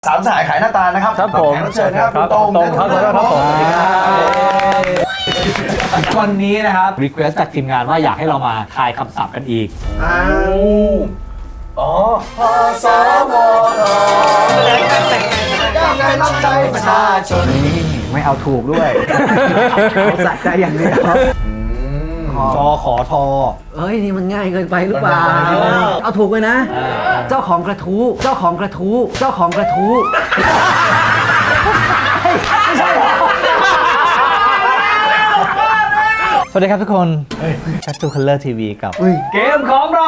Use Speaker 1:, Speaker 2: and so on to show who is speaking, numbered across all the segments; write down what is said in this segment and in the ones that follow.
Speaker 1: สามสหายขายหน้าตานะครับ
Speaker 2: ครับผม
Speaker 1: แขกรับเชิญนะครับคุณตง
Speaker 2: ครับผมวันนี้นะครับรีเควสจากทีมงานว่าอยากให้เรามาทายคำศัพท์กันอีก
Speaker 1: อ๋อพสมทยังไงรับใจประชาชน
Speaker 3: ไม่เอาถูกด้วยเอาสะใจอย่างเดียว
Speaker 2: จขอทอ
Speaker 3: เอ้ยนี่มันง่ายเกินไปหรือเปล่าเอาถูกเลยนะ เจ้าของกระทู้เจ้าของกระทู้เจ้าของกระทู้
Speaker 2: สวัสดีครับทุกคนชัตตูคัลเลอร์ทีวีกับเกมของเรา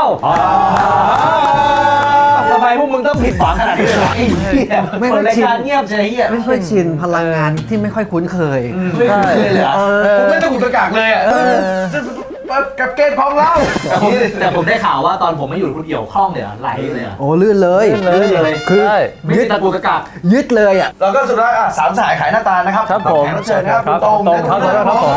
Speaker 2: ทำไมพวกมึงต้องผิดหวังขนาดนี้เลยไม่ค่อยชินเงียบใช่ไหม
Speaker 3: ไม่ค่อยชินพลังงานที่ไม่ค่อยคุ้นเคย
Speaker 1: ไม่คุ้นเคยเลยผมไม่ต้องกุตกากเลยอ่ะกับเกมของเรา
Speaker 2: แต่ผมได้ข่าวว่าตอนผมไม่อยู่คุณเอี่ยวคล่องเลยไหลเลย
Speaker 3: โอ้ลื่นเลย
Speaker 2: คือยึดตะกูตะกัก
Speaker 3: ยึดเลยอ่ะ
Speaker 1: เราก็สุดท้ายสามสหายขายหน้าตานะครับ
Speaker 2: ครับผม
Speaker 1: แขกรับเชิญนะครับคุณตง
Speaker 2: ครับผม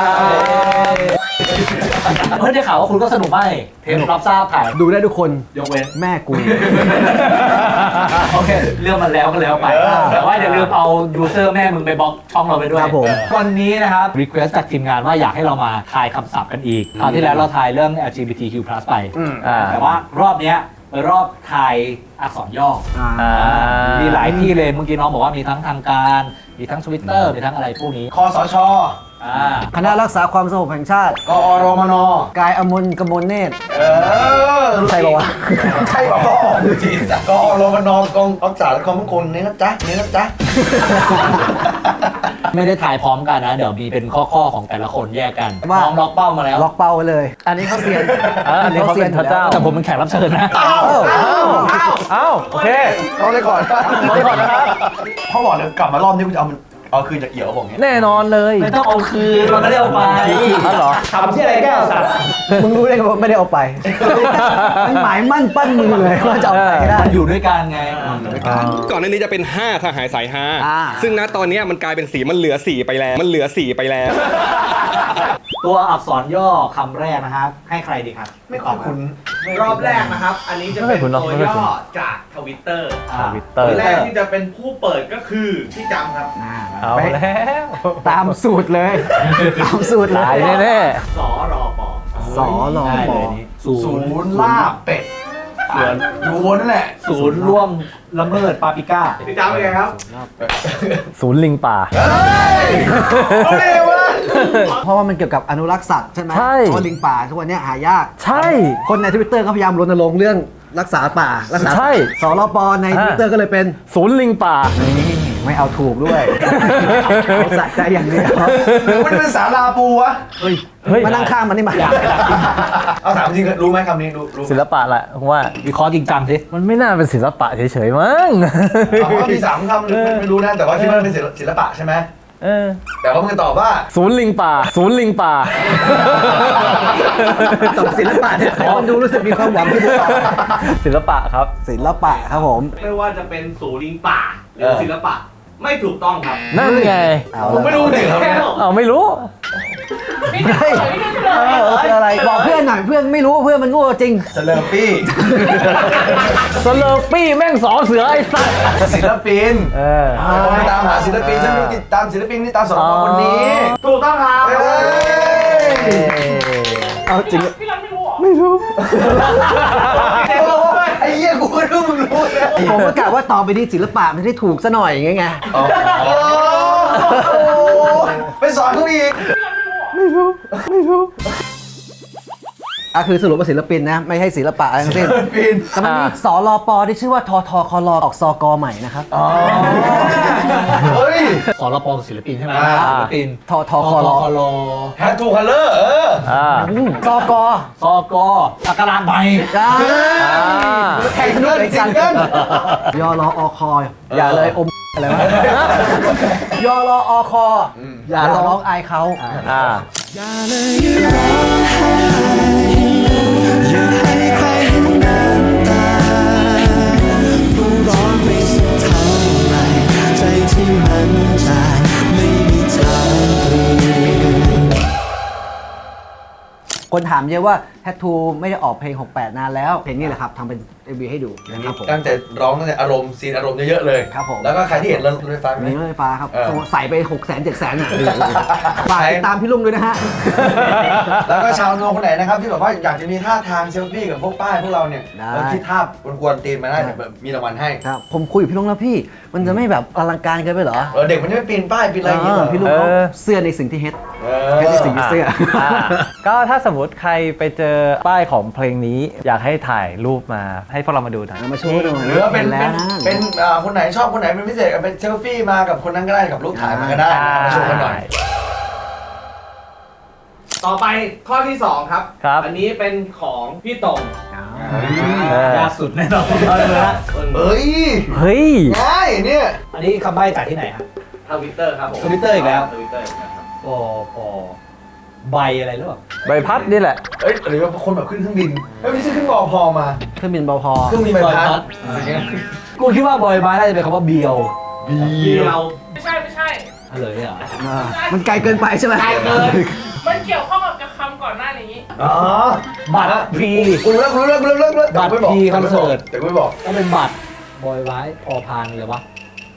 Speaker 2: เพื่อนได้ข่าวว่าคุณก็สนุกมากเทปรับทราบถ่าย
Speaker 3: ดูได้ทุกคน
Speaker 2: ยกเว้น
Speaker 3: แม่กู
Speaker 2: โอเคเรื่องมันแล้วก็แล้วไปแต่ว่าอย่าลืมเอายูเซอร์แม่มึงไปบล็อกช่องเราไปด้วย
Speaker 3: ครับผม
Speaker 2: วันนี้นะครับรีเควสจากทีมงานว่าอยากให้เรามาทายคำศัพท์กันอีกคราวที่แล้วเราทายเรื่อง LGBTQ+ ไปแต่ว่ารอบเนี้ยเป็นรอบทายอักษรย่อมีหลายที่เลยเมื่อกี้น้องบอกว่ามีทั้งทางการมีทั้ง Twitter มีทั้งอะไรพวกนี้
Speaker 1: คสช.
Speaker 3: คณะรักษาความสงบแห่งชาติ
Speaker 1: กอรมน.
Speaker 3: กายอมนกมลเนตรใช่ป่าวะ
Speaker 1: ใช่ป่าวจริงกอรมน.กองรักษาความมั่นคงนี่นะจ๊ะนี่นะจ๊ะ
Speaker 2: ไม่ได้ถ่ายพร้อมกันนะเดี๋ยวมีเป็นข้อของแต่ละคนแยกกันน้องล็อกเป้ามาแล้ว
Speaker 3: ล็อกเป้าไว้เลยอันนี้เขาเซียน
Speaker 2: อันนี้เขาเซียนพระเจ้าแต่ผมเป็นแขกรับเชิญนะโอเค
Speaker 1: เอาเลยก่อนนะครับพ่อบอกเลยกลับมารอบนี้กูจะเอาคืนจากเอี่ยวบอกเงี้ย
Speaker 2: แน่นอนเลยไม่ต้องเอาคืนมันไม่ได้เอาไปเหรอทำที่อะไรแก้วสัตว์
Speaker 3: มึงรู้ได้ไงว่าไม่ได้เอาไปมันหมายมั่นปั้นมือเลยว่าจะเอาไปได้
Speaker 2: มันอยู่ด้วยกันไง
Speaker 4: ก่อนหน้านี้จะเป็น5สหายสาย5ซึ่งณตอนนี้มันกลายเป็นสีมันเหลือ4ไปแล้ว
Speaker 2: ตัวอักษรย่อคำแรกนะฮะให้ใครดีครับ
Speaker 1: ไม่ขอบคุณ
Speaker 5: รอบแรกนะครับอันนี้จะเป็นตัวย่อจากทวิตเตอร์แรกที่จะเป็นผู้เปิดก็คือพี่จำครับ
Speaker 2: เอาแล้ว
Speaker 3: ตามสูตรเลยตามสูตรเลย
Speaker 2: แน่
Speaker 5: สรป
Speaker 3: สรป
Speaker 1: ศูนย์ลาบเป็ดอยู่บนนั่นแหละ
Speaker 2: ศูนย์ร่วมละเมิดปาปิก้า
Speaker 5: พี่จำเป็นไงครับ
Speaker 2: ศูนย์ลิงป่า
Speaker 3: เพราะว่ามันเกี่ยวกับอนุรักษ์สัตว์ใช่ไหมเพราะลิงป่าทุกวันนี้หายาก
Speaker 2: ใช่
Speaker 3: คนใน Twitter ก็พยายามรณรงค์เรื่องรักษาป่ารักษาสรปใน Twitter ก็เลยเป็น
Speaker 2: ศูนย์ลิงป่า
Speaker 3: ไม่เอาถูกด้วยเอาสะใจอย่างเดียว
Speaker 1: มันเป็นสาราปูวะ
Speaker 3: มานั่งข้างมันนี่มา
Speaker 1: เอาถามจริงรู้ไหมคำนี้รู้
Speaker 2: ศิลปะแหละผมว่าวิเคราะห์จริงจังสิมันไม่น่าเป็นศิลปะเฉยๆมั้ง
Speaker 1: มี3 คำไม่รู้นะแต่ว่าคิดว่าเป็นศิลปะใช่ไหมแต่ว่ามึงตอบว่า
Speaker 2: ศูนย์ลิงป่าศูนย์ลิงป่า
Speaker 3: ตอบศิลปะเนี่ยมันดูรู้สึกมีความหวังที่จะตอบ
Speaker 2: ศิลปะครับ
Speaker 3: ศิลปะครับผม
Speaker 5: ไม่ว่าจะเป็นศูนย์ลิงป่าหรือศิลปะไม่ถูกต้องครับ
Speaker 2: นั่นไง
Speaker 1: ผมไม่รู้เลย
Speaker 2: ไม่รู้
Speaker 3: คืออะไรบอกเพื่อนหน่อยเพื่อนไม่รู้เพื่อนมันโง่จริง
Speaker 1: สเลอร์
Speaker 2: ปี้แม่งสอเสือไอ้สัส
Speaker 1: ศิลปินไปตามหาศิลปินฉันติดตามศิลปินนี่ตามสรปคนนี้
Speaker 5: ถูกต้องครับ
Speaker 3: เอาจริง
Speaker 5: พี่รันไม่รู้
Speaker 3: ไม่รู้
Speaker 1: ไอ้เหี้ยกูไม่รู้มึงรู้นะ
Speaker 3: ผมก็กะว่าต่อไปนี้ศิลปะมันได้ถูกซะหน่อยไง
Speaker 1: ไปสอนเขาอีก
Speaker 3: ไม่รู้คือสรุปว่าศิลปินนะไม่ใช่ศิลปะอะไรทั้งสิ้นแต่มันมีสรปที่ชื่อว่าททคลออกสกใหม่นะครับ
Speaker 1: เฮ้ย
Speaker 2: สรปศิลปินใช่ไหมศิลปิน
Speaker 3: ททคล
Speaker 1: แฮททูคัลเลอร์
Speaker 3: สก
Speaker 2: สักการะใหม่
Speaker 3: แข่งด้วยกันยรอคอย่าเลยอมอะไรวะยรอคอย่าร้องอายเขาอย่าเลยร้องไห้อย่าให้ใครเห็นน้ำตาผู้ร้องไม่สุดเท่าไรใจที่มันจางไม่มีทางเปลี่ยนคนถามเยอะว่าแททูไม่ได้ออกเพลง68นานแล้วเพลงนี้แหละครับทำเป็น MV ให้ดูนะครับผม
Speaker 1: ตั้งใจร้องตั้งแต่อารมณ์ซีนอารมณ์เยอะๆเลย
Speaker 3: ครับผม
Speaker 1: แล้วก็ใครที่เห็นรถไฟฟ้าไหม
Speaker 3: มีรถไฟฟ้าครับ
Speaker 1: เออ
Speaker 3: ใส่ไป600,000 700,000อ่ะฝากติดตามพี่ลุงด้วยนะฮะ
Speaker 1: แล้วก็ชาวโนคนไหนนะครับที่แบบว่าอยากจะมีท่าทางเซลฟี่กับพวกป้ายพวกเราเนี่ย
Speaker 3: ได้
Speaker 1: แล้วคิดท่ากวนๆตีนมาได้เดี๋ยวแบบมีรางวัลให้
Speaker 3: ครับผมคุยกับพี่ลุงแล้วพี่ มันจะไม่แบบอลังการเกินไปเหรอ
Speaker 1: เด็กมันจะไม่ปีนป้ายปีนอะไรอย่างเงี้ยเหรอ
Speaker 3: พี่ลุงเขาเสื้อในสิ่งที่เฮ็ด
Speaker 1: เอ
Speaker 3: เฮ็ดในสิ่งที่เสื้อ
Speaker 6: ก็ถ้าสมมติใครไปเจอป้ายของเพลงนี้ อยากให้ถ่ายรูปมาให้พวกเรามาดูหน่อย
Speaker 3: เอามาโชว์หน่อย
Speaker 1: หรือว่าเป็น
Speaker 3: แล้วนะ
Speaker 1: เป็นคนไหนชอบคนไหนเป็นพิเศษเป็นเซลฟี่มากับคนนั้นก็ได้กับรูปถ่ายมาก็ได้เอามาโชว์กันหน่อย
Speaker 5: ต่อไปข้อที่ 2 ครับ
Speaker 6: ครับ
Speaker 5: อันนี้เป็นของพี่ตง
Speaker 2: ยากสุดแน่นอน
Speaker 1: เอ้ย
Speaker 6: เฮ้ย
Speaker 1: ง่ายเนี่ย
Speaker 2: อันนี้คำใบ้จากที่ไหนครับ
Speaker 5: ทวิตเตอร์ครับผม
Speaker 2: Twitter อีกแล้ว
Speaker 5: ทวิตเตอร์ครับ
Speaker 2: ปอปอใบอะไรหรือเปล่า
Speaker 6: ใบพัดนี่แหละ
Speaker 1: เอ้ยหรือว่าคนแบบขึ้นเครื่องบินไม่ใช่ขึ้นบอพอมา
Speaker 3: เครื่องบินเบาพอ
Speaker 1: เครื่องบินใบพัด
Speaker 2: กูคิดว่าบอยไม้น่าจะเป็นคำว่าเบียว
Speaker 5: เดียว
Speaker 7: ไม่ใช่ไม่ใช่
Speaker 2: อะไรเนี่ยเหรอ
Speaker 3: มันไกลเกินไปใช่ไหม
Speaker 5: ไกลเกิน
Speaker 7: มันเกี่ยวข้องกับคำก่อนหน้านี้
Speaker 1: อ๋อ
Speaker 2: บัตรพรี
Speaker 1: กูเลิกแต่
Speaker 2: บัตร
Speaker 1: กูไม่บอก
Speaker 2: พีคอนเสิร์ต
Speaker 1: แต่กูไม่บอก
Speaker 2: ก็เป็นบัตรบอยไม้พอพานเลยวะ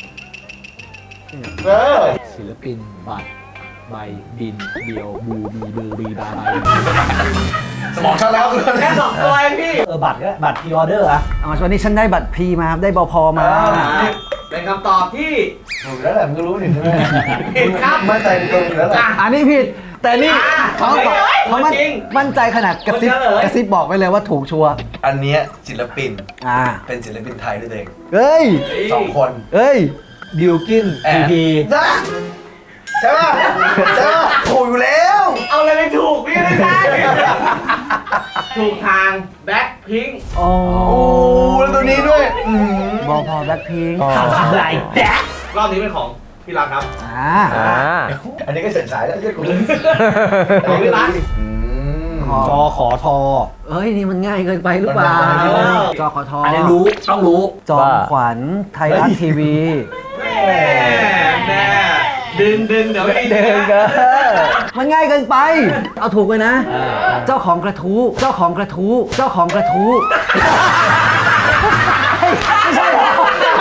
Speaker 1: เออ
Speaker 2: ศิลปินบัตรใบบินเบียวบูบีเบอร์บีบาใบ
Speaker 1: สมองชัดแล้ว
Speaker 5: แค่2ตัวเองพี่
Speaker 2: บัตรก็บัตรพรีออเดอร์อะ
Speaker 3: วันนี้ฉันได้บัตรพรีมาครับได้เบาพอมา
Speaker 5: เป็นคำตอบที่
Speaker 1: ถูกแล้วแหละมึงก็รู้นี่ใช่ไหม
Speaker 5: ผิดครับ
Speaker 1: มั่นใจในตัวมึงแล้วแหละ
Speaker 3: อันนี้ผิด แต่นี่เขาบอกเขามั่น
Speaker 5: จริง
Speaker 3: มั่นใจขนาดกระซิบ
Speaker 5: คนเฉลย
Speaker 3: กระซิบบอกไปเลยว่าถูกชัวร์
Speaker 1: อันเนี้ยศิลปิน
Speaker 3: อ่า
Speaker 1: เป็นศิลปินไทยด้วยเอง
Speaker 3: เอ้ย
Speaker 1: 2 คน
Speaker 3: เอ้ย
Speaker 2: บิลกิน
Speaker 1: แอ
Speaker 2: พี
Speaker 1: บ
Speaker 2: พี
Speaker 1: ใช่ป่ะใช่ป่ะถูกอยู่แล้ว
Speaker 5: เอาอะไรไปถูกพี่ไม่ได้ ถูกทางแบ็คพิง
Speaker 3: โอ้
Speaker 1: โอ้แล้วตัวนี้ด้วย
Speaker 3: เบาพอแบล็คพิงค์
Speaker 2: อะไรแจ๊ะ
Speaker 5: รอบนี้เป็นของพี่รักครับ
Speaker 3: อ่า
Speaker 1: อันนี้ก็เฉิดฉายแล้วใช่กู
Speaker 5: ของพี่รัก
Speaker 2: จอขอทอ
Speaker 3: เอ้ย นี่มันง่ายเกินไปหรือเปล่า จอขอทอ
Speaker 2: อั
Speaker 3: อั
Speaker 2: นนี้รู้ต้องรู้
Speaker 3: จอมขวัญไทยรัฐทีวี
Speaker 5: แน่ดึงเดี๋ยวไม่
Speaker 3: เดินเกินมันง่ายเกินไป เอาถูกเลยนะ เจ้าของกระทู้เจ้าของกระทู้เจ้าของกระทู้ไม่ใช่เหรอ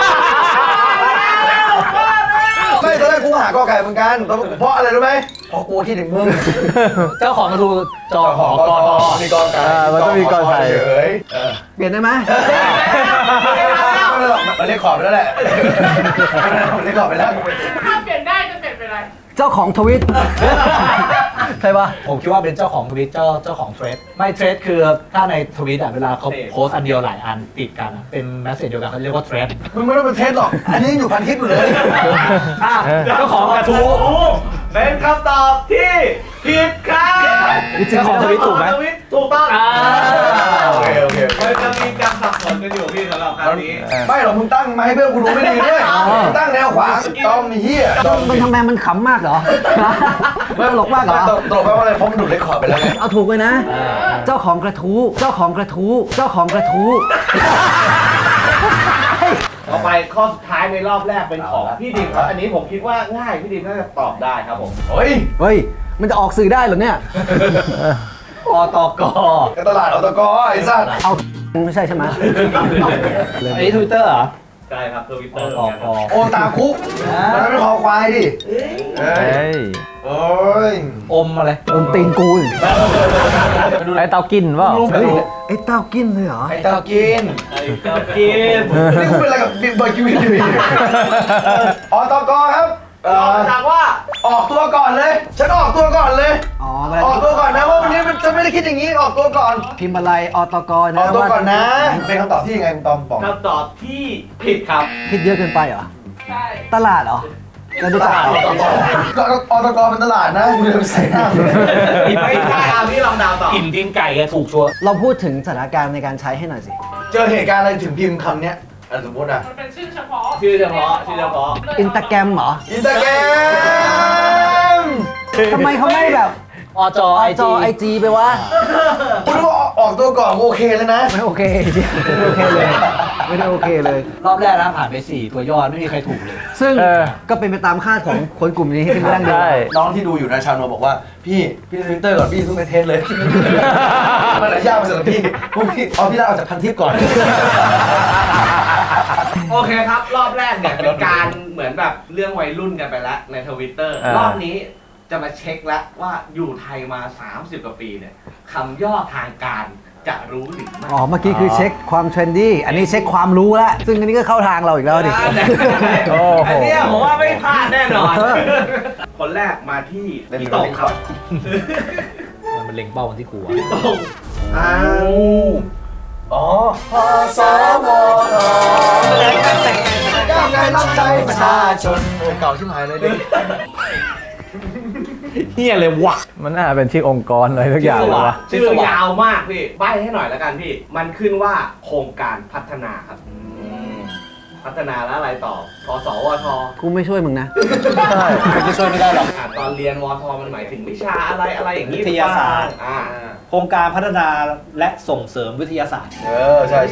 Speaker 1: ไม่ตอนแรกกูหากอไก่เหมือนกันเพราะอะไรรู้ไหมเพราะกูคิดถึงมึง
Speaker 2: เจ้าของกระทูจอขอกอทอ
Speaker 1: มีกอไก่
Speaker 6: มันต้องมีกอไก่
Speaker 1: เฉย
Speaker 3: เปลี่ยนได้ไหม
Speaker 1: ไม่หรอกมันเรียกขอบไปแล้วแหละมันเรียกขอบไปแล้ว
Speaker 7: ถ้าเปลี่ยนได้จะเปลี่ยนเป็นอะไร
Speaker 3: เจ้าของทวิตใช่ปะ
Speaker 2: ผมคิดว่าเป็นเจ้าของทวิตเจ้าของเทรดไม่เทรดคือถ้าในทวิตอะเวลาเขาโพสต์อันเดียวหลายอันติดกันอะเป็นแมสเซจเดียวกันเขาเรียกว่าเทรด
Speaker 1: มึงไม่ต้องเป็นเทสหรอกอันนี้ยังอยู่พันทิปอยู่เลย
Speaker 2: เจ้าของกระทู้
Speaker 5: เป็นคำตอบที่ผิดครับ
Speaker 2: เจ้าของทวิตถูกไหม
Speaker 5: ทวิตถูกต้อง
Speaker 1: โอเค
Speaker 5: มันจะมีการสับสนกันอยู่พี่สำหรับครั้งนี้
Speaker 1: ไม่หรอกมึงตั้งมาให้เพื่อนกูรู้ไม่ดีด้วยมึงตั้งแนวขวางต้อมเฮีย
Speaker 3: มันทำไมมันขำมากเหรอไม่ตลกมากเหรอ
Speaker 1: ตกไปว่าอะไรเพราะมันดูดเลคคอร์ดไปแล้วไง
Speaker 3: เอาถูกเลยนะ เจ้าของกระทู้เจ้าของกระทู้เจ้าของกระทู้
Speaker 5: ต่อไปข้อสุดท้ายในรอบแรกเป็นของพี่ดิมครับ อันนี้ผมคิดว่าง่ายพี่ดิมน่าจะตอบได้ครับผม
Speaker 1: เฮ้ย
Speaker 3: เฮ้ย มันจะออกสื่อได้เหรอเนี่ย
Speaker 2: อตก
Speaker 1: ตลาดอตกไอ้สัตว์
Speaker 3: เอาไม่ใช่ใช่ไหม
Speaker 2: อันนี้ทวิตเตอร์เหรอ
Speaker 5: ใช่ครับทวิตเต
Speaker 2: อ
Speaker 5: อร์
Speaker 2: ตก
Speaker 1: โอตาคุกมันไม่เป็นคอควายดิเฮ้
Speaker 6: เฮ้
Speaker 1: ย
Speaker 6: ย
Speaker 1: โอ้ย
Speaker 2: อมอะไร
Speaker 3: โดนตีนกูอีก
Speaker 6: ไอเตากินเปล่า
Speaker 3: เฮ้ยไอ้เต้ากินเลยเหรอ
Speaker 1: ไอ้เต้ากิน
Speaker 5: ไอ้เจ้ากิน
Speaker 1: นี่กูเป็นอะไรกับบิ๊กเบอร์กิวินดิอตกครับ
Speaker 5: ตอบจากว่า
Speaker 1: ออกตัวก่อนเลย ฉันออกตัวก่อนเลย
Speaker 3: อ๋อ
Speaker 1: ออกตัวก่อนนะว่าวันนี้ฉันไม่ได้คิดอย่างนี้ออกตัวก่อน
Speaker 3: พิมพ์อะไรอตก
Speaker 1: อ
Speaker 3: นะ
Speaker 1: อกตัวก่อนนะ เป็นคำตอบที่ยังไงคุณตอมบอก
Speaker 5: คำตอบที่ผิดครับ
Speaker 3: คิดเยอะเกินไปเหรอ
Speaker 7: ใช่
Speaker 3: ตลาดเหรอจะรู้จักเหรอ
Speaker 1: ก็อตกเป็นตลาดนะมึงจะไปใส่หน้า
Speaker 5: ไม่ใช่เอาพี่ลองเดาวต่อ
Speaker 2: อิ่มตีนไก่แกถูกชัวร์
Speaker 3: เราพูดถึงสถานการณ์ในการใช้ให้หน่อยสิ
Speaker 1: เจอเหตุการณ์อะไรถึงพิมพ์คำเนี้ยสมมติอ่ะ
Speaker 7: มันเป็นชื่อเฉพาะ
Speaker 5: ชื่อเฉพาะชื่อเฉพาะ
Speaker 3: อินตาแกรมเหรอ
Speaker 1: อินสตาแกรม
Speaker 3: ทำไมเขาไม่แบบ
Speaker 2: อจอไอ
Speaker 3: จ
Speaker 2: จี
Speaker 3: อไอจีไปวะ
Speaker 1: คุณรู้ว่าออกตัวก่อนโอเคแล้วนะ
Speaker 3: ไม่โอเคไม่โอเคเลย ไม่ได้โอเคเลย
Speaker 2: รอบแรกนะผ่านไป 4 ตัวยอดไม่มีใครถูกเลย
Speaker 3: ซึ่ง
Speaker 6: เออ
Speaker 3: ก็เป็นไปตามคาดของคนกลุ่มนี้ที่ไม่ตั้งเดิม
Speaker 6: ใช่
Speaker 1: น้องที่ดูอยู่นะชาวโนบอกว่าพี่ทวิตเตอร์ก่อนพี่เพิ่งไปเทสเลย มันหลายยากไปสำหรับพี่พวกพี่เอาพี่ลาออกจากพันทิปก่อน
Speaker 5: โอเคครับ รอบแรกเนี่ยเป็นการเหมือนแบบเรื่องวัยรุ่นกันไปแล้วในทวิตเตอร์รอบนี้จะมาเช็คแล้วว่าอยู่ไทยมา 30 กว่าปีเนี่ยคำย่อทางการจะรู้หรือไม่
Speaker 3: อ๋อ เมื่อกี้คือเช็คความเทรนดี้ อันนี้เช็คความรู้แล้ว ซึ่งอันนี้ก็เข้าทางเราอีกแล้วดิ
Speaker 6: โอ้โห
Speaker 5: อันเนี้ยผมว่าไม่พลาดแน่นอน คนแรกมาที่พี่ตงครับ
Speaker 2: มันเล็งเป้ากันที่กูอะ
Speaker 5: พี่ตงอ้าว
Speaker 1: อ๋อพสมก้าวไกลรับใช้ประชาชนโอ้เก่าชิบหายเลยดิ
Speaker 2: เฮียเลยวะ
Speaker 6: มันน่าเป็นชื่อองค์กรอะไรทุกอย่างเลยวะ
Speaker 5: ชื่อยาวมากพี่ใบ้ให้หน่อยแล้วกันพี่ มันขึ้นว่าโครงการพัฒนาครับ พัฒนาแล้วอะไรต่อพสวท
Speaker 3: กูไม่ช่วยมึงนะ
Speaker 2: จะช่วยไม่ได้หรอก
Speaker 5: ตอนเรียนวทมันหมายถึงวิชาอะไรอย่างนี้
Speaker 2: วิทยาศาสตร์
Speaker 5: อ่า
Speaker 2: โครงการพัฒนาและส่งเสริมวิทยาศาสตร์
Speaker 1: ใช่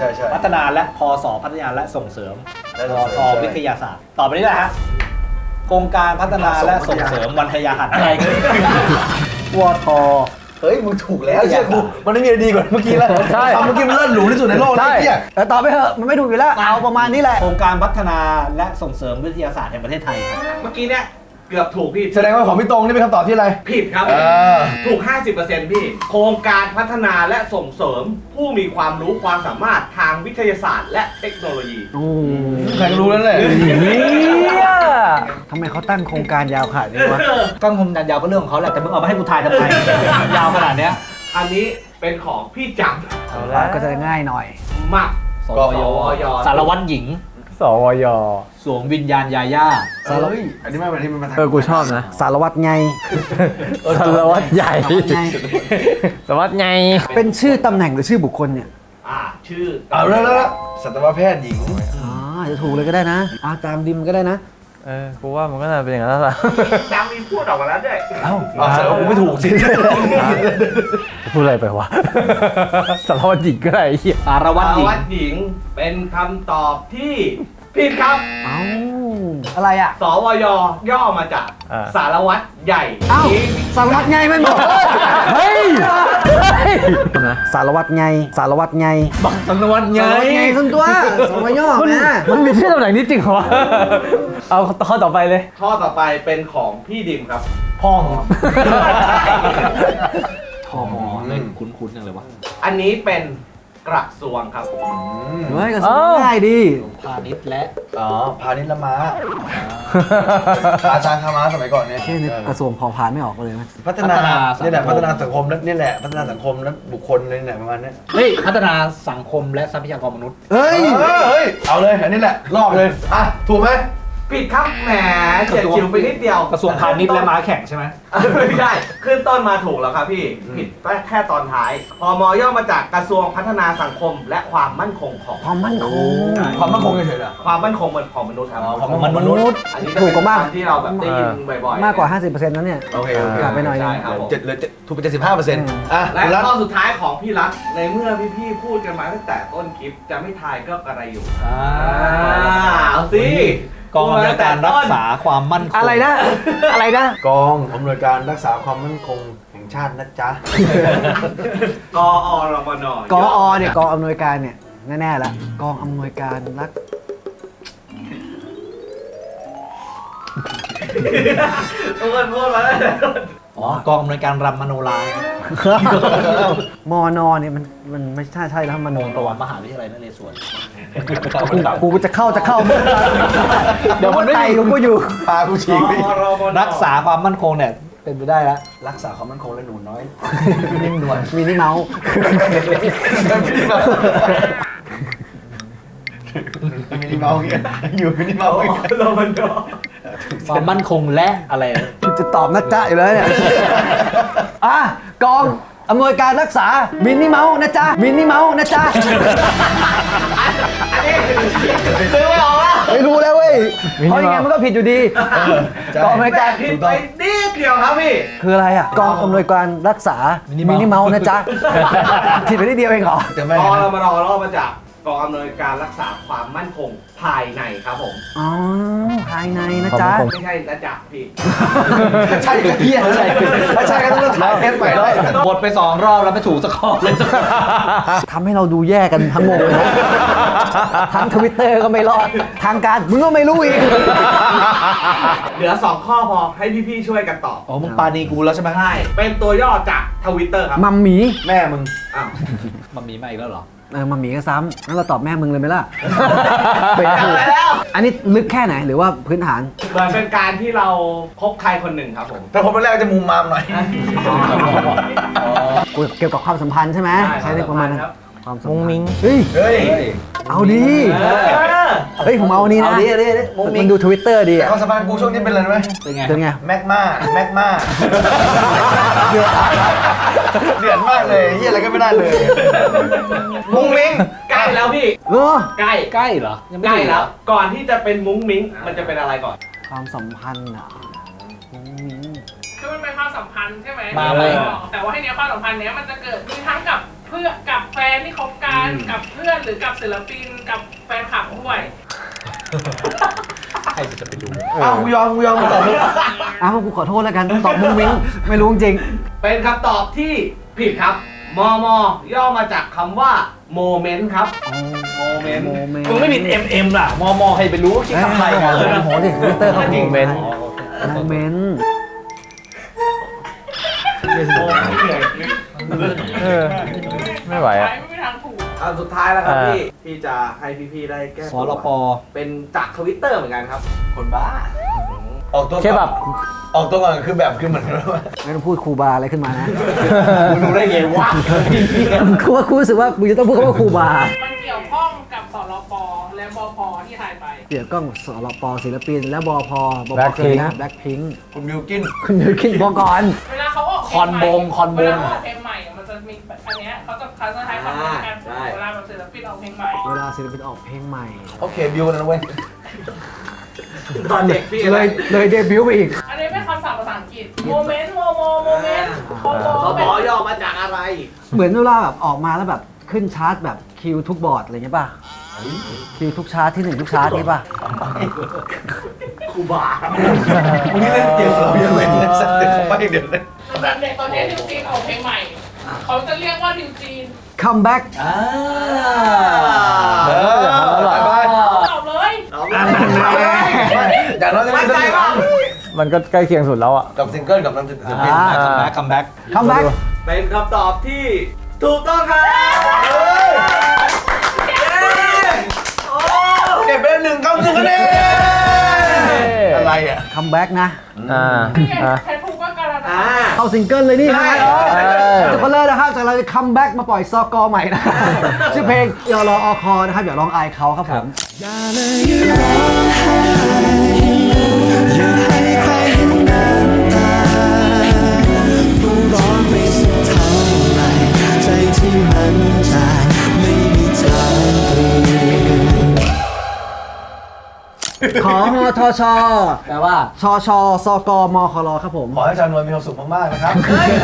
Speaker 2: พัฒนาและพศพัฒนาและส่งเสริม
Speaker 1: และ
Speaker 2: ว
Speaker 1: ส่งเสริม
Speaker 2: ทวิทยาศาสตร์ต่อไปนี้แหละฮะโครงการพัฒนาและส่งเสริมวันทยาหันอะไรกันวท
Speaker 1: เฮ้ยมึงถูกแล้วเชื่อกูมันไม่มีอะไรดีกว่าเมื่อกี้แล้ว
Speaker 6: ใช่
Speaker 1: คำเมื่อกี้มันเลิศหรูที่สุดในโลกแล้วไอ้เหี้ย
Speaker 3: แต่ตอบไปเถอะ มันไม่ถูกอยู่แล้ว เอาประมาณนี้แหละ
Speaker 2: โครงการพัฒนาและส่งเสริมวิทยาศาสตร์แห่งประเทศไทยครับ
Speaker 5: เมื่อกี้เนี่ยเกือบถูกพี่
Speaker 1: แสดงว่าของพี่ตรงนี่เป็นคำตอบที่อะไร
Speaker 5: ผิดครับ
Speaker 1: อ
Speaker 5: ถูก 50%พี่ โครงการพัฒนาและส่งเสริมผู้มีความรู้ความสามารถทางวิทยาศาสตร์และเทคโนโลยี
Speaker 3: โอ้
Speaker 1: ใครก็รู้แล้วแหละ
Speaker 6: เนี่ย
Speaker 3: ทำไมเขาตั้งโครงการยาวขนาดนี้วะ
Speaker 2: ก้อนคมดันยาวก็เรื่องของเขาแหละแต่มึงเอามาให้กูทายทำไม ยาวขนาดเนี้ย
Speaker 5: อันนี้เป็นของพี่จัง
Speaker 6: เอาละ
Speaker 3: ก็จะง่ายหน่อย
Speaker 5: มัก
Speaker 2: ส
Speaker 5: ก
Speaker 2: ว
Speaker 5: สวย
Speaker 2: สารวัตรหญิง
Speaker 6: สวย
Speaker 2: สวมวิญญาณยาย่า
Speaker 1: เฮ้ยอันนี้ไม่เป็นที่มันมาทาง
Speaker 6: กูชอบนะ
Speaker 3: สารวัตรไง
Speaker 6: สารวัตรใหญ่
Speaker 3: สารวัตรไง
Speaker 6: สารวัตรใหญ่
Speaker 3: เป็นชื่อตำแหน่งหรือชื่อบุคคลเนี่ย
Speaker 5: ชื่อ
Speaker 1: เอาแล้วสัตวแพทย์หญิง
Speaker 3: อ๋อจะถูกเลยก็ได้นะตามดิมก็ได้นะ
Speaker 6: กูว่ามันก็น่าเป็นอย่างนั้นแล้วล่ะ
Speaker 5: จังมีพูดออกมาแล้วด้วย
Speaker 1: แสดงว่ากูไม่ถูกสิ
Speaker 6: พูดอะไรไปวะ สารวัตรหญิงก็ได้ไอ้เหี้ย
Speaker 2: สารวัตรหญิง
Speaker 5: วัดหญิงเป็นคำตอบที่ผิดครับ
Speaker 3: เอ้า อะไรอ่ะ
Speaker 5: สวยย่อมาจากสารวัตรใหญ่
Speaker 3: เอ้า
Speaker 5: หญิง
Speaker 3: สารวัตรไงไม่บอก
Speaker 6: เฮ้ยนะ
Speaker 3: สารวัตรไง สารวัตรไง
Speaker 2: บักสารวัตรไง
Speaker 3: สารวัตรไงส่วนตัวสมย่อ
Speaker 6: มัน
Speaker 3: นะ
Speaker 6: มันมีชื่อตำแหน่งนี้จริงเหรอวะเอาข้อต่อไปเลย
Speaker 5: ข้อต่อไปเป็นของพี่ดิมครับ
Speaker 2: พ่องทอมอเล่นคุ้นๆจังเลยวะ
Speaker 5: อันนี้เป็นกระทรวงครับ
Speaker 3: เฮ้ยก็สมง่ายดี
Speaker 2: พาณิชย์และ
Speaker 1: อ๋อพาณิชย์ละม้าอาจารย์คาม้าสมัยก่อนเนี่ย
Speaker 3: แค่นึกกระทรวงพอพานไม่ออกเลยนะ
Speaker 1: พัฒนาเนี่ยแหละพัฒนาสังคมนี่แหละพัฒนาสังคมและบุคคลเลยเนี่ยประมาณนี้
Speaker 2: เฮ้ยพัฒนาสังคมและทรัพยากรมนุษย์
Speaker 3: เฮ้ย
Speaker 1: เฮ้ยเอาเลยอันนี้แหละลอกเลยอ่ะถูกไหม
Speaker 5: ผิดครับแหมเฉียดฉิวไปนิดเดียว
Speaker 2: กระทรวงพาณิชย์และม้าแข่งใช่ไหม
Speaker 5: ไม่ใช่ขึ้นต้นมาถูกแล้วครับพี่ ผิดแค่ตอนท้าย พมย่อมาจากกระทรวงพัฒนาสังคมและความมั่นคงของ
Speaker 3: ความมั่นคง
Speaker 1: ความมั่นคงเฉยๆเหรอ
Speaker 5: ความมั่นคงของมนุษย์ครับ
Speaker 1: ความมั่นคงมนุษย์
Speaker 5: อันนี้
Speaker 3: ถูกกว่ามาก
Speaker 5: คำที่เราแบบได้ยินบ่อยๆ
Speaker 3: มากกว่า 50%นั้นเนี่ย
Speaker 1: โอเค
Speaker 3: กลับไปหน่อยนึง
Speaker 5: ใช่ครับผม
Speaker 1: เหลือถูกไป75%อ่ะ
Speaker 5: และ
Speaker 1: คุณรัฐ
Speaker 5: ข้อสุดท้ายของพี่รัฐในเมื่อพี่ๆพูดกันมาตั้งแต่ต้นคลิปจะไม่ทายก็กระไรอยู่เอาสิ
Speaker 2: กองอำนวยการรักษาความมั่นคง
Speaker 3: อะไรนะ อะไรนะ
Speaker 1: กองอำนวยการรักษาความมั่นคงแห่งชาตินะจ๊ะ
Speaker 5: กอรมน
Speaker 3: กอเนี่ยกองอำนวยการเนี่ยแน่ๆแล้วกองอำนวยการรัก
Speaker 5: ทุกคนพูดมาแล้ว
Speaker 2: อ๋อกองอำนวยการรำมโนรา
Speaker 3: มอนอเนี่ยมันไม่ใช่แล้วมโน
Speaker 2: ประวัติมหาวิทยาลัยนเรศวร
Speaker 3: กูจะเข้าเดี๋ยวมันไตกูอยู่
Speaker 1: พากูฉีกไป
Speaker 5: กอรมน
Speaker 2: รักษาความมั่นคงเนี่ยเป็นไปได้แล้ว
Speaker 1: รักษาความมั่นคงและหนูน้อย
Speaker 3: นิ่มนวลมินิเมาส์
Speaker 1: มินิเมาส์เนี่ยอยู่มินิเมาส์
Speaker 5: รมน
Speaker 2: ความมั่นคงและอะไร
Speaker 3: กูจะตอบนะจ๊ะอยู่แล้วเนี่ยกองอำนวยการรักษามินิเมาส์นะจ๊ะมินิเมาส์นะจ๊ะ
Speaker 5: อันนี้คือไม่ออกแล้ว
Speaker 3: ไม่รู้แล้วเว้ยเพราะยังไงมันก็ผิดอยู่ดีกองอำนวย
Speaker 5: แต่
Speaker 3: การ
Speaker 5: ผิดไปนิดเดียวครับพี่
Speaker 3: คืออะไรอ่ะกองอำนวยการรักษามินิเมาส์นะจ๊ะผิดไปนิดเดียวเองเหรอ
Speaker 1: จะไม่
Speaker 5: รอเรามารอรอบมาจากกองอำนวยการรักษาความมั่นคงภายในครับผม
Speaker 3: อ๋อภายในนะจ๊ะ
Speaker 5: ไม่ใช่นะจ๊ะพี่
Speaker 1: ใช่ก็เฮียใช่ถ้าใช่ก็ต้องถ่ายเทปใหม่ด้วย
Speaker 2: บทไป2 รอบแล้วไม่ถูกสักข้อเลย
Speaker 3: ทำให้เราดูแย่กันทั้งวงเลยนะทั้งทวิตเตอร์ก็ไม่รอด ทางการมึงก็ไม่รู้อีก
Speaker 5: เหลือ 2 ข้อพอให้พี่ๆช่วยกันตอบ
Speaker 2: อ๋อมึงปาณีกูแล้วใช่ไหม
Speaker 5: ใช่เป็นตัวย่อจากทวิตเตอร์ครับ
Speaker 3: มัมหมี
Speaker 1: แม่มึง
Speaker 5: อ้าว
Speaker 2: มันมีมาอีกแล้วเหรอ
Speaker 3: มัมหมีก็ซ้ำงั้นเราตอบแม่มึงเลยไหมล่ะเป็น
Speaker 5: จำ
Speaker 3: ถูก
Speaker 5: ได้แล้ว
Speaker 3: อันนี้ลึกแค่ไหนหรือว่าพื้นฐาน
Speaker 5: เหมือนเป็นการที่เราพบใครคนหนึ่งครับผม
Speaker 1: แต่ผมเป็นแรกจะมุมมามหน่อย
Speaker 3: เกี่ยวกับความสัมพันธ์ใช่ไหม
Speaker 5: ใช่
Speaker 3: ใช้ในประมาณนั้น
Speaker 5: ครับ
Speaker 3: ความสัม
Speaker 6: มุ้ง
Speaker 3: พัน
Speaker 6: มิ้ง
Speaker 3: ธ์เฮ้ย
Speaker 1: เฮ้ย
Speaker 3: เอาดี
Speaker 5: เออ
Speaker 3: เฮ้ยผมเอาอันนี้นะ
Speaker 2: เอาดิเอาดิเอาดิมุ้งมิ้ง
Speaker 3: มันดูทวิตเตอร์ดี
Speaker 1: แต่
Speaker 3: อะ
Speaker 1: ความสัมพันธ์กูช่วงนี้เป็นอะไรรู้ไหม
Speaker 2: เป็นไง
Speaker 3: เป็นไง
Speaker 1: แม็กมาแม็กมาเดือดมากเลยเฮียอะไรก็ไม่ได้เลย มุ้งมิ้ง
Speaker 5: ใกล้แล้วพี่
Speaker 3: เออ
Speaker 5: ใกล้
Speaker 2: ใกล้เหรอ ยังไม่
Speaker 5: ใกล้
Speaker 2: ถึงเหร
Speaker 5: แล้
Speaker 2: อ
Speaker 5: ว ก่อนที่จะเป็นมุ้งมิ้ง มันจะเป็นอะไรก่อน
Speaker 3: ความสัมพันธ์อ่ะมุ้งมิ้ง
Speaker 7: คือมันเป็นความสัมพันธ์ใช่ไหม
Speaker 2: มาไหม
Speaker 7: แต่ว่าให้เนี้ยความสัมพันธ์เนี้ยมันจะเกิดมีทั้งกับเพื่อนกับแฟนที่คบกันกับเพื่อนหรือกับศิลปินกับแฟนคลับด้วย
Speaker 2: ใครจะไปดู
Speaker 1: อ้าวกูยอมมึงตอบเลย
Speaker 3: อ้าวกูขอโทษแล้วกันตอบมุ้งมิ้งไม่รู้จริง
Speaker 5: เป็นคำตอบที่ผิดครับ มม ย่อมาจากคำว่าโมเมนต์ครับ โมเมนต์
Speaker 3: โมเมนต์
Speaker 2: มึงไม่มี MM ล่ะ มใครไปรู้คิดทำอะไรกัน
Speaker 3: โอ้โหดิทวิตเตอร์เขา
Speaker 5: จริง
Speaker 3: โมเมนต์โมเมนต์
Speaker 6: ไม่ไหวอ่ะ
Speaker 7: ไม่มีทางถูก
Speaker 5: อันสุดท้ายแล้วครับ
Speaker 6: อ่า
Speaker 5: พี่ที่จะให้พี่ๆได้แก้
Speaker 2: ส
Speaker 5: ตัว
Speaker 2: รป
Speaker 5: เป็นจากทวิตเตอร์เหมือนกันครับ
Speaker 1: คนบ้า ออกตัว
Speaker 6: แค่แบบ
Speaker 1: ออกตัวก่อนคือแบบคือเหมือนว่า
Speaker 3: ไม่ต้องพูดครูบาอะไรขึ้นมานะ
Speaker 1: มึงรู้ได้ไงวะ
Speaker 3: คือว่ากูรู้สึกว่ากูจะต้องพูดคำว่าครูบา
Speaker 7: มันเกี่ยวข้องกับสรปและบพที่ถ่ายไป
Speaker 3: เดี๋ยวกล้องสรปศิลปิน และบพบพ
Speaker 6: Blackpink
Speaker 3: คือนะแบล็คพิงค์
Speaker 1: คุณบิวกิน
Speaker 3: คุณมิวคินบอกก่อน
Speaker 7: เวลาเขาออกเพล
Speaker 2: คอนบงคอนบง
Speaker 7: เวลาเขาออกเพลงใหม่อะมันจะมีแบบอันเนี้ยเขาจะใช้คำนี้กัน
Speaker 5: ใช่
Speaker 7: เวลาแบบศิลปินออกเพลงใหม่
Speaker 3: เวลาศิลปินออกเพลงใหม่
Speaker 1: โอเคบิวนะเว้ย
Speaker 5: ตอนเด็กพี่
Speaker 3: เลยเดบิวต์ไปอีก
Speaker 7: อันนี้เป็นคำศัพท์ภาษาอังกฤษโมเมนต์โมเมนต์โม
Speaker 5: เขาบอกย่อมาจากอะไร
Speaker 3: เหมือนเวลาแบบออกมาแล้วแบบขึ้นชาร์ตแบบคิวทุกบอร์ดอะไรเงี้ยป่ะคิวทุกชาร์ตที่ 1 ทุกชาร์ตนี้ป่ะ
Speaker 5: ครูบา
Speaker 1: มึงนี่เล่นเกมเรายังเล่นเลยสักเด็กไปเดี๋ยวเลย
Speaker 7: แบบเด็กตอนนี้ดิวจีนออกเพลงใหม่ เขาจะเรียกว่าดิวจีน
Speaker 3: คัมแบ็ก
Speaker 1: ไป
Speaker 7: ตอบเลย
Speaker 1: อย่างน้อยจะไม่ได้บ้าง
Speaker 6: มันก็ใกล้เคียงสุดแล้วอ่ะ
Speaker 1: กับซิงเกิลกับน้ำจิ้ม
Speaker 2: คัมแบ็ก
Speaker 3: คัมแบ็ก
Speaker 5: เป็นคำตอบที่ถูกต้องครับ
Speaker 1: เก็บไป1 1 คะแนนอะไรอ่ะ
Speaker 3: คัมแบ็กนะ
Speaker 6: อ่า
Speaker 7: นี่ไง
Speaker 6: อ่า
Speaker 7: ใครถูกก็การันตี
Speaker 3: เข้าซิงเกิลเลยนี่
Speaker 5: ใช่
Speaker 3: จุกเลิศนะครับจากเราจะคัมแบ็กมาปล่อยซอกอใหม่นะ ชื่อเพลงยอรออคอนะครับอย่าร้องอายเขาครับผม ขอฮทช
Speaker 2: แปลว่า
Speaker 3: ชชสกมครครับผม
Speaker 1: ขอให้ชาวนวลมีความสุขมากๆนะครับ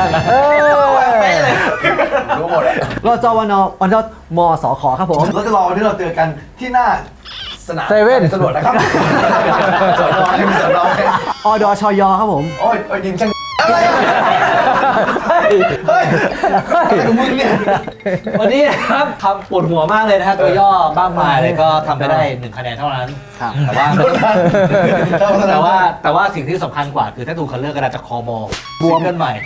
Speaker 1: รู้หมด
Speaker 3: รจวนวันจมสขครับผม
Speaker 1: เราจะรอวันที่เราเจอกันที่หน้าสนาม
Speaker 6: เซเว่น
Speaker 1: ตำรวจนะครับสอนอให้มีสอนอให้
Speaker 3: อดชยครับผม
Speaker 1: โอ้ยยิงช่างอะไรอ่ะเฮ้ยอะไรของมึงเนี่ย
Speaker 2: วันนี้นะครับทำปวดหัวมากเลยนะฮะตัวย่อบ้างมายเลยก็ทำไปได้1 คะแนนเท่านั้น
Speaker 3: ครับ
Speaker 2: แต่ว่าสิ่งที่สำคัญกว่าคือถ้าถูกคันเลือกกระดาษจากคอมอบวมกันใหม่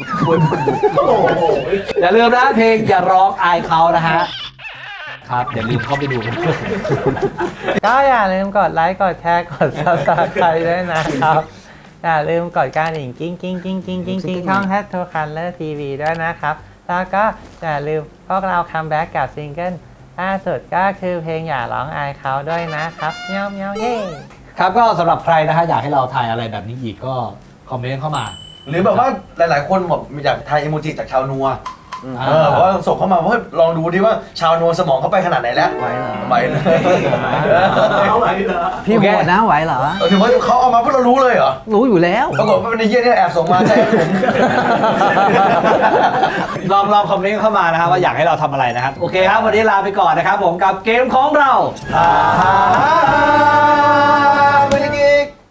Speaker 2: อย่าลืมนะเพลงอย่าร้องอายเขานะฮะครับอย่าลืมเข้าไปดูกันด้วย
Speaker 6: ก็อย่าลืมกดไลค์ กดแชร์ กด subscribe ด้วยนะครับ อย่าลืมกดกระดิ่งกิ้งกิ้งกิ้งกิ้งกิ้งกิ้งช่อง #2color TV ด้วยนะครับ แล้วก็อย่าลืมพวกเราคัมแบ็กกับซิงเกิลล่าสุดก็คือเพลงอย่าร้องอายเขาด้วยนะครับเมียวเมียวเย่
Speaker 2: ครับก็สำหรับใครนะฮะอยากให้เราถ่ายอะไรแบบนี้อีกก็คอมเมนต์เข้ามา
Speaker 1: หรือแบบว่าหลายๆ คนบอกอยากทายอีโมจิจากชาวนัวเพราะว่าส่งเข้ามาว่าลองดูดิว่าชาวนวลสมองเขาไปขนาดไหนแล้ว
Speaker 3: ไหวเหรอ
Speaker 1: ไหวเลย
Speaker 3: พี่โหดนะไหวเหรอ
Speaker 1: ถือว่าเขาเอามาพวกเรารู้เลยเหรอ
Speaker 3: รู้อยู่แล้ว
Speaker 1: ปรากฏว่าเป็นไอ้เหี้ยเนี่ยแอบส่งมาใช่ผม
Speaker 2: ลองคอมเมนต์เข้ามานะครับว่าอยากให้เราทำอะไรนะครับ โอเคครับ วันนี้ลาไปก่อนนะครับผมกับเกมของเรา
Speaker 1: ไม่ได้กิก